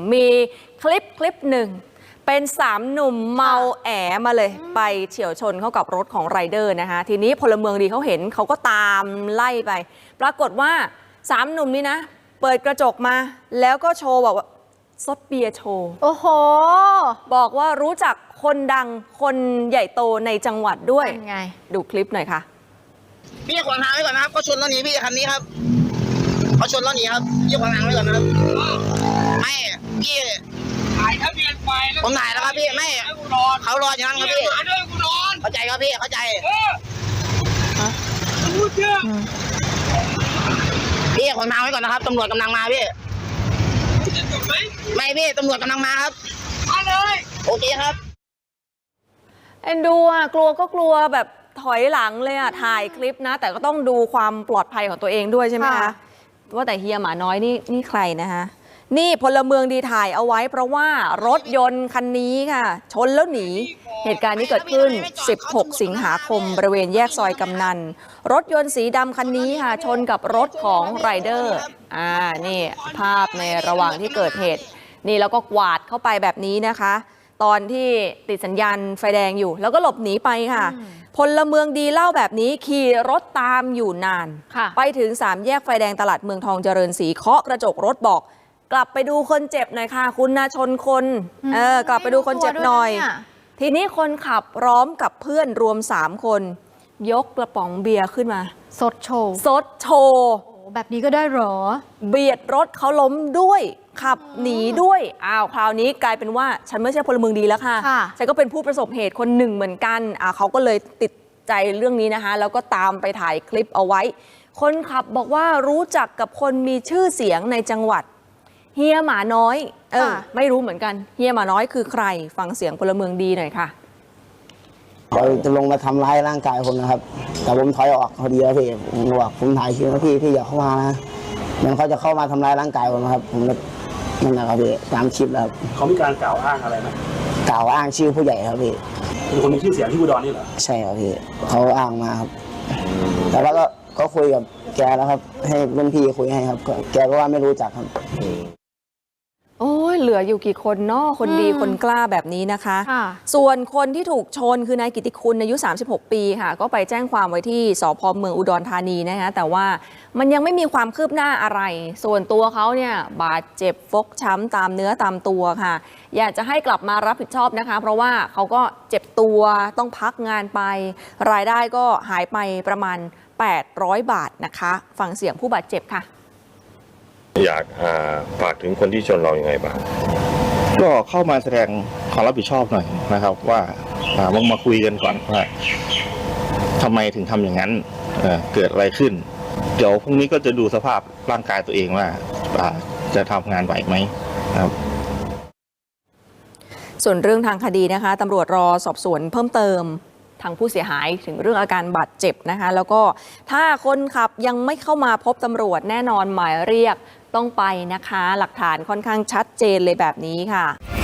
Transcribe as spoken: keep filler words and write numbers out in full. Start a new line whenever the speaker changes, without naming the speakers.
มีคลิปคลิปหนึ่งเป็นสามหนุ่มเมาแอมาเลยไปเฉี่ยวชนเข้ากับรถของไรเดอร์นะคะทีนี้พลเมืองดีเขาเห็นเขาก็ตามไล่ไปปรากฏว่าสามหนุ่มนี้นะเปิดกระจกมาแล้วก็โชว์บอกว่าซดเบียร์โชว์โอ้โหบอกว่ารู้จักคนดังคนใหญ่โตในจังหวัดด้วยไงดูคลิปหน่อยค่ะ
พี่ขวางทางไว้ก่อนนะครับเขาชนแล้วหนีพี่คันนี้ครับเขาชนแล้วหนีครับพี่ขวางทางไว้ก่อนนะครับไม่พี่ถ่ายทะเบียนไปผมถ่ายแล้วครับพี่ไม่เขารออย่างนั้นครับพี่เข้าใจครับพี่เข้าใจพี่ขวางทางไว้ก่อนนะครับตำรวจกำลังมาพี่ไม่พี่ตำรวจกำลังมาครับมาเลยโอเคครับ
เอ็นดูอ่ะกลัวก็กลัวแบบถอยหลังเลยอ่ะถ่ายคลิปนะแต่ก็ต้องดูความปลอดภัยของตัวเองด้วยใช่ไหมคะว่าแต่เฮียหมาน้อยนี่นี่ใครนะคะนี่พลเมืองดีถ่ายเอาไว้เพราะว่ารถยนต์คันนี้ค่ะชนแล้วหนีเหตุการณ์นี้เกิดขึ้นสิบหกสิงหาคมบริเวณแยกซอยกำนันรถยนต์สีดำคันนี้ค่ะชนกับรถของไรเดอร์อ่านี่ภาพในระหว่างที่เกิดเหตุนี่แล้วก็กวาดเข้าไปแบบนี้นะคะตอนที่ติดสัญญาณไฟแดงอยู่แล้วก็หลบหนีไปค่ะพลเมืองดีเล่าแบบนี้ขี่รถตามอยู่นานไปถึงสามแยกไฟแดงตลาดเมืองทองเจริญศรีเคาะกระจกรถบอกกลับไปดูคนเจ็บหน่อยค่ะคุณนาชนคนเออกลับไปดูคนเจ็บหน่อยทีนี้คนขับพร้อมกับเพื่อนรวมสามคนยกกระป๋องเบียร์ขึ้นมา
สดโชว์
สดโชว์
แบบนี้ก็ได้หรอ
เบียดรถเขาล้มด้วยขับหนีด้วยอ้าวคราวนี้กลายเป็นว่าฉันไม่ใช่พลเมืองดีแล้วค่ะฉันก็เป็นผู้ประสบเหตุคนหนึ่งเหมือนกันอ่าเขาก็เลยติดใจเรื่องนี้นะคะแล้วก็ตามไปถ่ายคลิปเอาไว้คนขับบอกว่ารู้จักกับคนมีชื่อเสียงในจังหวัดเฮียหมาน้อยเออไม่รู้เหมือนกันเฮียหมาน้อยคือใครฟังเสียงพลเมืองดีหน่อยค่ะ
เขาจะลงมาทำร้ายร่างกายผมนะครับแต่ผมถอยออกพอดีแล้วพี่ผมบอกผมถ่ายคลิปนะพี่พี่อย่าเข้ามานะมันเขาจะเข้ามาทำร้ายร่างกายผมนะครับผมนั่นแหละครับพี่ตามคลิปแล้ว
เขามีการกล่าวอ้างอะไรไหม
กล่าวอ้างชื่อผู้ใหญ่ครับพี่
เป็นคนมีชื่อเสียงที่อุดรนี่เหรอ
ใช่ครับพี่เขาอ้างมาครับแต่แล้วก็ก็คุยกับแกแล้วครับให้รุ่นพี่คุยให้ครับแกก็ว่าไม่รู้จักครับ
โอ้ยเหลืออยู่กี่คนเนาะคนดีคนกล้าแบบนี้นะคะส่วนคนที่ถูกชนคือนายกิติคุณอายุสามสิบหกปีค่ะก็ไปแจ้งความไว้ที่สภ.เมืองอุดรธานีนะคะแต่ว่ามันยังไม่มีความคืบหน้าอะไรส่วนตัวเขาเนี่ยบาดเจ็บฟกช้ำตามเนื้อตามตัวค่ะอยากจะให้กลับมารับผิดชอบนะคะเพราะว่าเขาก็เจ็บตัวต้องพักงานไปรายได้ก็หายไปประมาณแปดร้อยบาทนะคะฟังเสียงผู้บาดเจ็บค่ะ
อยากฝากถึงคนที่ชนเราอย่างไรบ้าง
ก็เข้ามาแสดงความรับผิดชอบหน่อยนะครับว่ามามาคุยกันก่อนว่าทำไมถึงทำอย่างนั้น เ, เกิดอะไรขึ้นเดี๋ยวพรุ่งนี้ก็จะดูสภาพร่างกายตัวเองว่าจะทำงานไหวไหมครับ
ส่วนเรื่องทางคดีนะคะตำรวจรอสอบสวนเพิ่มเติมทางผู้เสียหายถึงเรื่องอาการบาดเจ็บนะคะแล้วก็ถ้าคนขับยังไม่เข้ามาพบตำรวจแน่นอนหมายเรียกต้องไปนะคะหลักฐานค่อนข้างชัดเจนเลยแบบนี้ค่ะ